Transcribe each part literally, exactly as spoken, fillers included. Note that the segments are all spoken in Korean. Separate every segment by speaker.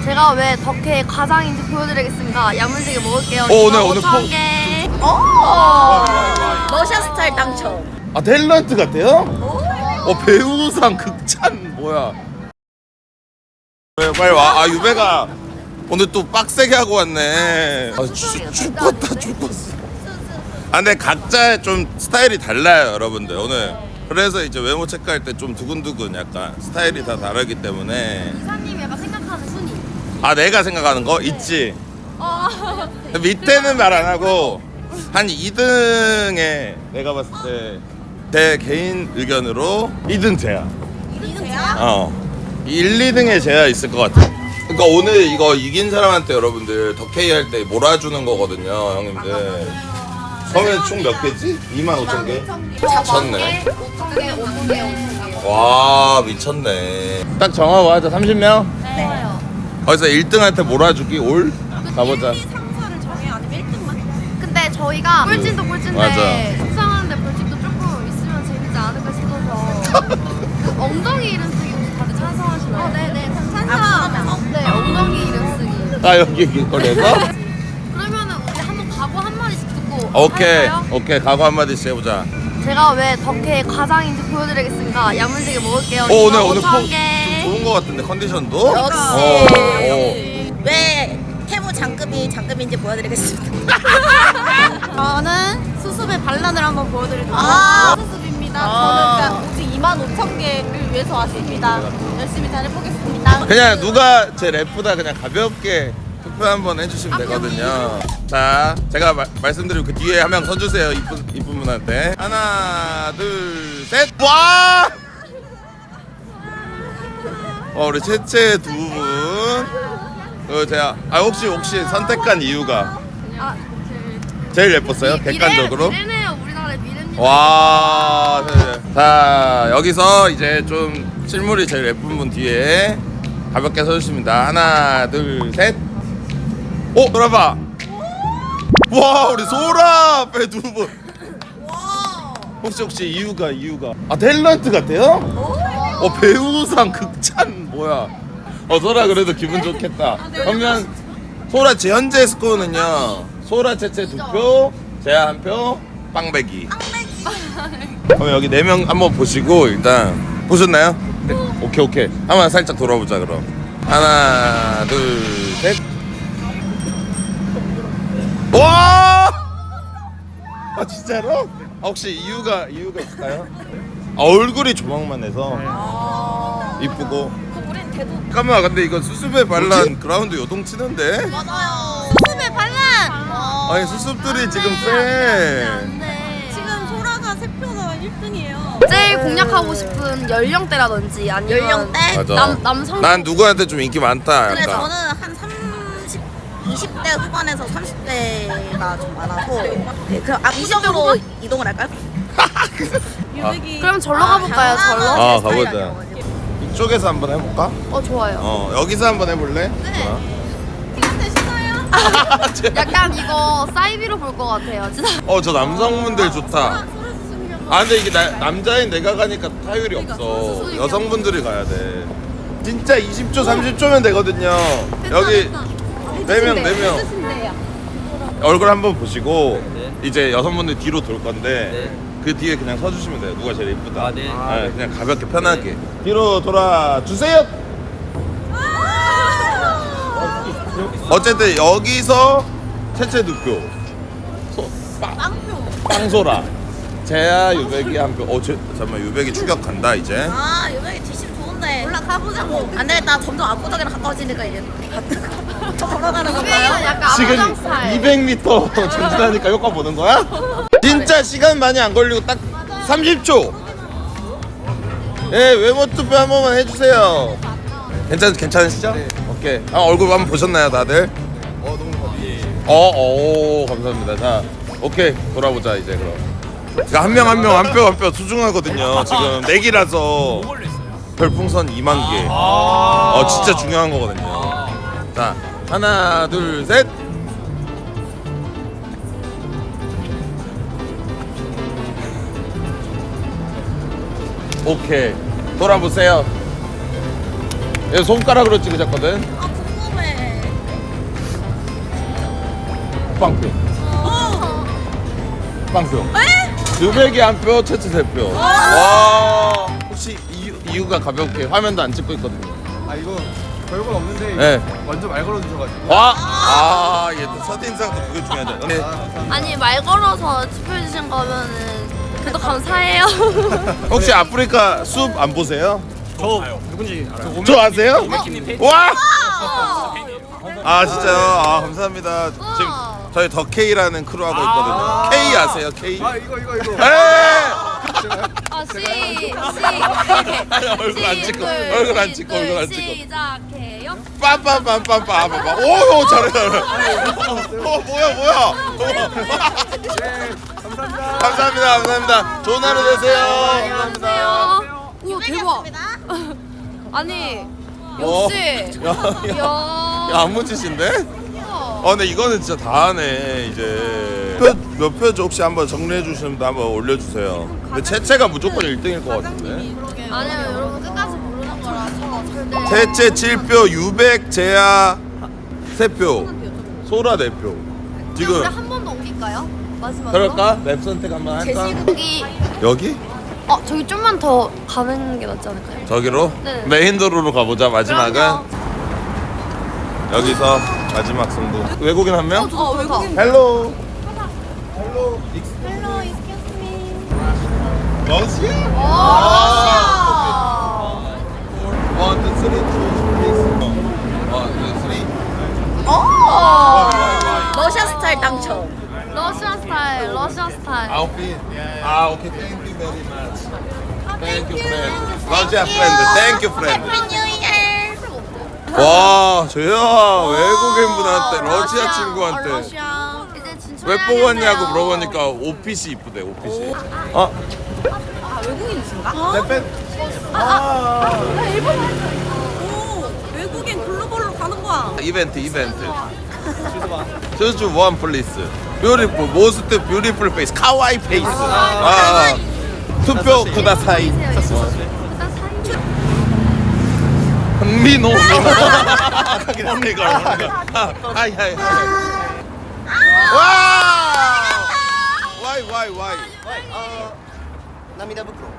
Speaker 1: 제가 왜 덕혜의 과장인지 보여드리겠습니다. 야무지게 먹을게요.
Speaker 2: 어, 오늘 오늘
Speaker 1: 오천
Speaker 2: 포-
Speaker 1: 개.
Speaker 3: 오! 러시아 스타일 당첨.
Speaker 2: 아 탤런트 같아요? 어 배우상 극찬 뭐야? 왜 빨리 와. 아 유배가 오늘 또 빡세게 하고 왔네. 아 죽- 죽겠다 죽겠어. 아 근데 각자 좀 스타일이 달라요 여러분들 오늘. 그래서 이제 외모 체크할 때 좀 두근두근 약간 스타일이 다 다르기 때문에.
Speaker 1: 이사님이 약간 생각하는 순위.
Speaker 2: 아 내가 생각하는 거 있지.
Speaker 1: 어.
Speaker 2: 밑에는 말 안 하고 한 이 등에 내가 봤을 때 내 개인 의견으로 이 등 제야.
Speaker 3: 이등이야?
Speaker 2: 어. 일, 이 등에 제야 있을 것 같아. 그러니까 오늘 이거 이긴 사람한테 여러분들 덕케이 할 때 몰아주는 거거든요, 형님들. 그러면 총 몇 개지? 이만 오천 개? 미쳤네.
Speaker 1: 오천 개, 오천 개, 오천 개.
Speaker 2: 와, 미쳤네. 딱 정하고 하자. 삼십 명?
Speaker 1: 네.
Speaker 2: 거기서 일 등한테 몰아주기 올? 가보자.
Speaker 3: 상사를 정해 아니면 일 등만?
Speaker 1: 근데 저희가 꿀진도 꿀진데
Speaker 2: 맞아.
Speaker 1: 속상한데 벌칙도 조금 있으면 재밌지 않을까 싶어서 그 엉덩이 이름 쓰기 혹시 다들 찬성하시나요? 어, 네네 찬성. 네 엉덩이 이름 쓰기.
Speaker 2: 아, 여기 길거리에서?
Speaker 1: 그러면은 우리 한번 각오 한 마디씩 듣고
Speaker 2: 오케이.
Speaker 1: 할까요?
Speaker 2: 오케이. 각오 한마디씩 해보자.
Speaker 1: 제가 왜 덕혜의 과장인지 보여드리겠습니다. 야무지게 먹을게요.
Speaker 2: 어, 오늘 오늘 포,
Speaker 1: 오천
Speaker 2: 좀
Speaker 1: 개.
Speaker 2: 좋은 거 같은데 컨디션도?
Speaker 3: 역시.
Speaker 2: 어, 어.
Speaker 3: 왜 태무 장급이 장급인지 보여드리겠습니다.
Speaker 1: 저는 수습의 반란을 한번 보여드리도록
Speaker 3: 아.
Speaker 1: 수습입니다.
Speaker 3: 아.
Speaker 1: 저는 그냥 오직 이만 오천 개를 위해서 왔습니다. 열심히 잘해보겠습니다.
Speaker 2: 그냥 누가 제 래프다 그냥 가볍게 투표 한번 해주시면 되거든요. 자, 제가 마, 말씀드린 그 뒤에 한 명 서주세요. 이쁜 이쁜 분한테. 하나, 둘, 셋. 와! 어, 우리 채채 두 분. 어, 제가 아 혹시 혹시 선택한 이유가
Speaker 1: 아,
Speaker 2: 제일 예뻤어요? 객관적으로?
Speaker 1: 미래네요. 우리나라의 미래입니다.
Speaker 2: 와. 자, 여기서 이제 좀 실물이 제일 예쁜 분 뒤에 가볍게 서주십니다. 하나, 둘, 셋. 오, 돌아봐. 와, 우리 소라 앞에 두 분. 혹시 혹시 이유가 이유가 아 탤런트 같아요? 어 배우상 극찬 뭐야? 어 소라 그래도 기분 좋겠다. 그러면 소라 제 현재 스코어는요. 소라 채채 두 표, 제아 한 표, 빵배기. 그럼 여기 네 명 한번 보시고 일단 보셨나요? 네. 오케이 오케이. 한번 살짝 돌아보자 그럼. 하나 둘 셋. 와! 아 진짜로? 아, 혹시 이유가 이유가 있을까요? 아, 얼굴이 조망만해서 이쁘고.
Speaker 3: 우린 대도
Speaker 2: 잠깐만 근데 이거 수습의 반란 그라운드 요동치는데?
Speaker 3: 맞아요.
Speaker 1: 수습의 반란.
Speaker 2: 아니 수습들이 지금 쎄.
Speaker 3: 지금 소라가 세 표가 일 등이에요.
Speaker 1: 제일 공략하고 싶은 연령대라든지 아니면
Speaker 3: 연령대?
Speaker 2: 맞아.
Speaker 1: 남 남성.
Speaker 2: 난 누구한테 좀 인기 많다
Speaker 3: 근데
Speaker 2: 약간.
Speaker 3: 저는 한 삼십, 이십 대 후반에서 삼십 대가 좀 많아서 네, 그럼 압구정으로 이동을 할까요?
Speaker 2: 아,
Speaker 1: 그럼 절로 가볼까요? 절로?
Speaker 2: 아 가보자. 이쪽에서 한번 해볼까?
Speaker 1: 어 좋아요.
Speaker 2: 어 여기서 한번 해볼래?
Speaker 3: 네.
Speaker 1: 약간 이거 사이비로 볼 것 같아요. 진짜.
Speaker 2: 어저 남성분들 좋다. 아 근데 이게 나, 남자인 내가 가니까 타율이 없어. 여성분들이 가야 돼. 진짜 이십 초 삼십 초면 되거든요. 여기 네 명 네 명 얼굴 한번 보시고 이제 여성분들 뒤로 돌 건데 그 뒤에 그냥 서주시면 돼요. 누가 제일 예쁘다.
Speaker 4: 아, 네.
Speaker 2: 네, 그냥 가볍게 편하게 뒤로 돌아 주세요. 어쨌든 여기서 채채 두 표. 소- 빵. 빵소라. 제야 유백이 한 표. 어, 제, 잠깐만 유백이 추격 간다 이제.
Speaker 3: 아 요백이 뒷심 좋은데 올라가보자고. 안 되겠다. 점점 압구정이랑 가까워지니까 이제 걸어가는 건가요?
Speaker 1: 약간
Speaker 2: 지금
Speaker 1: 압구정 스타일.
Speaker 2: 이백 미터 전진하니까 효과 보는 거야? 진짜 시간 많이 안 걸리고 딱 삼십 초. 예, 외모 투표 한 번만 해주세요. 괜찮 괜찮으시죠? 네. 오케이. 아, 얼굴 한번 보셨나요, 다들? 어, 너무 예. 어, 오, 감사합니다. 자, 오케이 돌아보자 이제 그럼. 그러니까 한 명 한 명 한 표 한 표 소중하거든요. 지금 내기라서 별풍선 이만 개. 어, 진짜 중요한 거거든요. 자, 하나, 둘, 셋. 오케이. 돌아보세요. 얘 손가락으로 찍으셨거든.
Speaker 3: 아 궁금해.
Speaker 2: 빵표. 빵표. 유백이 한 표, 채채 세 표. 와. 혹시 이유, 이유가 가볍게 화면도 안 찍고 있거든요.
Speaker 4: 아 이거 별건 없는데
Speaker 2: 네.
Speaker 4: 먼저 말 걸어주셔가지고.
Speaker 2: 와. 아, 얘 또 첫인상도 그게 중요하죠. 네.
Speaker 1: 아니 말 걸어서 투표해 주신 거면은 그래도 감사해요.
Speaker 2: 혹시 아프리카 숲 안 보세요?
Speaker 4: 저 누군지 알아요.
Speaker 2: 저 아세요? 와. 아 진짜요? 아 감사합니다. 지금 저희 더 K라는 크루 하고 있거든요. K 아세요? K?
Speaker 4: 아 이거 이거 이거.
Speaker 2: 에이!
Speaker 1: 아, 시, 시,
Speaker 2: 아니, 얼굴 안 찍고, 얼굴 안 찍고, 얼굴 안 찍고.
Speaker 1: 시작해요.
Speaker 2: 빰빰빰빰빰빰빰. 오, 잘해, 잘해. 어, 뭐야, 뭐야.
Speaker 4: 네 감사합니다.
Speaker 2: 감사합니다, 감사합니다. 좋은 하루 되세요. 감사합니다.
Speaker 1: 안녕하세요. 우와 대박. 아니
Speaker 2: 어.
Speaker 1: 역시.
Speaker 2: 야, 야,
Speaker 1: 야.
Speaker 2: 야, 안무짓인데? 어, 근데 이거는 진짜 다 하네, 이제. 표, 몇 표죠? 혹시 한번 정리해 주시면 한번 올려주세요. 근데 채채가 무조건 일 등일 것 같은데.
Speaker 1: 아니요 여러분 끝까지 모르는 거라서 절대.
Speaker 2: 채채 칠 표, 유백, 제야 세 표, 소라 네 표. 지금
Speaker 1: 우리 한 번 더 옮길까요? 마지막으로.
Speaker 2: 그럴까? 맵 선택 한번 할까?
Speaker 1: 제시국이.
Speaker 2: 여기?
Speaker 1: 어 저기 좀만 더 가는 게 낫지 않을까요?
Speaker 2: 저기로?
Speaker 1: 네.
Speaker 2: 메인 도로로 가보자. 마지막은
Speaker 1: 그럼요.
Speaker 2: 여기서 마지막 승부. 외국인 한 명?
Speaker 1: 어 외국인.
Speaker 2: 헬로.
Speaker 1: Hello, excuse me.
Speaker 2: 러시아?
Speaker 1: 와.
Speaker 2: 원, 투, 쓰리, 투, 플리즈. 원, 투, 쓰리.
Speaker 3: 오! 러시아 스타일 당첨.
Speaker 1: 러시아 스타일, 러시아 스타일.
Speaker 2: 아웃핏. 아, 오케이. Thank you very much. Thank you, friend. 러시아 프렌드. Thank you, friend. 와, 저야 외국인분한테 러시아 친구한테
Speaker 1: 러시아. 이제 진짜.
Speaker 2: 왜 뽑았냐고 물어보니까 옷핏이 이쁘대. 옷핏이. 어?
Speaker 3: 아 외국인이신가?
Speaker 2: 네,
Speaker 3: 오 외국인 글로벌로 가는 거야.
Speaker 2: 이벤트 이벤트. Choose one please. Beautiful, most beautiful face. 카와이 페이스. 아, 투표 쿠다사이. 미노 미노. 언니가 언니가. 하이 하이 하이. 와. Why why why?
Speaker 4: 남이다 부끄러.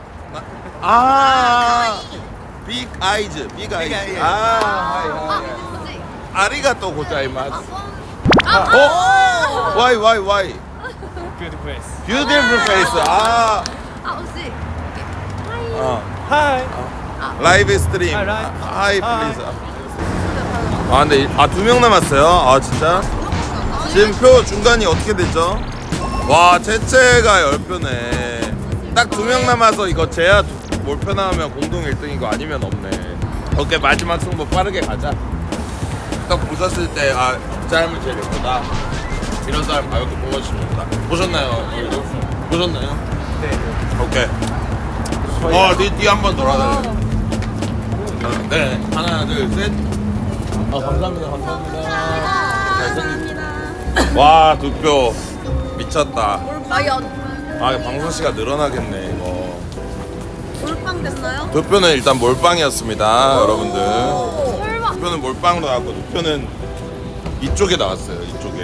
Speaker 2: 아. Big eyes, big eyes.
Speaker 4: eyes.
Speaker 2: 아, 하이 하이.
Speaker 1: 뭐지?
Speaker 2: 아리가또 고자이마스.
Speaker 1: 아,
Speaker 2: 어? Why why why?
Speaker 4: Beautiful face.
Speaker 2: Beautiful face. 아.
Speaker 1: 아 혹시.
Speaker 2: 어.
Speaker 4: Hi.
Speaker 2: 라이브 스트림.
Speaker 4: 아, 라이브.
Speaker 2: 하이 플리즈. 아 근데 아 두 명 남았어요. 아 진짜. 지금 표 중간이 어떻게 됐죠? 와 채채가 열 표네. 딱 두 명 남아서 이거 제야 몰표 나오면 공동 일 등이고 아니면 없네. 오케이 마지막 승부 빠르게 가자. 딱 보셨을 때 아 그 사람이 제일 예쁘다. 이런 사람 가볍게 뽑아주시면 됩니다. 보셨나요? 보셨나요?
Speaker 4: 네.
Speaker 2: 오케이. 어, 뒤, 뒤 한 번 돌아다녀. 네, 하나, 둘, 셋. 아, 감사합니다, 감사합니다. 잘생겼 와, 두 표. 미쳤다.
Speaker 3: 과연
Speaker 2: 아, 방송 시간 늘어나겠네, 이거.
Speaker 3: 몰빵 됐나요?
Speaker 2: 두 표는 일단 몰빵이었습니다, 여러분들.
Speaker 1: 설마.
Speaker 2: 두 표는 몰빵으로 나왔고, 두 표는 이쪽에 나왔어요, 이쪽에.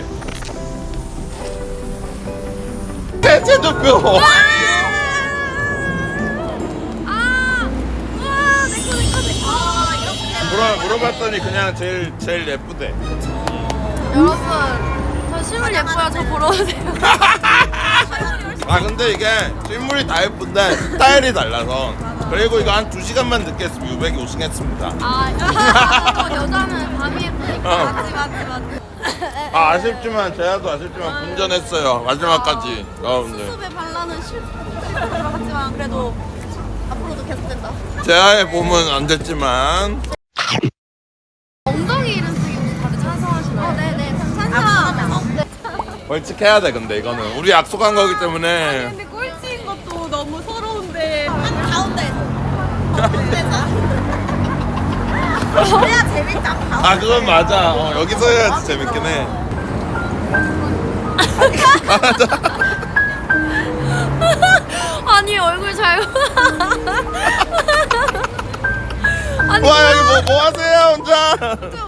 Speaker 2: 대체 두 표!
Speaker 1: 아, 우와, 내꺼 내꺼 내꺼. 아, 이렇게.
Speaker 2: 물어, 물어봤더니 그냥 제일, 제일 예쁘대.
Speaker 1: 여러분, 저 실물 예뻐요. 저 보러 오세요.
Speaker 2: 아 근데 이게 실물이 다 예쁜데 스타일이 달라서 그리고 이거 한 두 시간만 늦게 했으면 유백이 우승했습니다.
Speaker 1: 아, 여- 여자는 밤이 예쁘니까.
Speaker 2: 어.
Speaker 3: 맞지 맞지 맞지.
Speaker 2: 아 아쉽지만 제아도 아쉽지만 분전했어요 마지막까지 여러분들.
Speaker 3: 수습의 반란은 실패로 들어갔지만 그래도 앞으로도 계속된다.
Speaker 2: 제아의 봄은 안 됐지만
Speaker 1: 엉덩이 이름 쓰기 혹시 다들 찬성하시나요?
Speaker 3: 어, 네네 찬성. 네.
Speaker 2: 벌칙해야 돼. 근데 이거는 우리 약속한 거기 때문에
Speaker 3: 근데 꼴찌인 것도 너무 서러운데. 한 가운데에서. 가운데서. 그래야 재밌다.
Speaker 2: 아 그건 맞아. 어, 여기서 해야지 재밌긴 해. 맞아.
Speaker 1: 아니 얼굴 잘. 아니
Speaker 2: 와 여기 뭐, 뭐 하세요 혼자?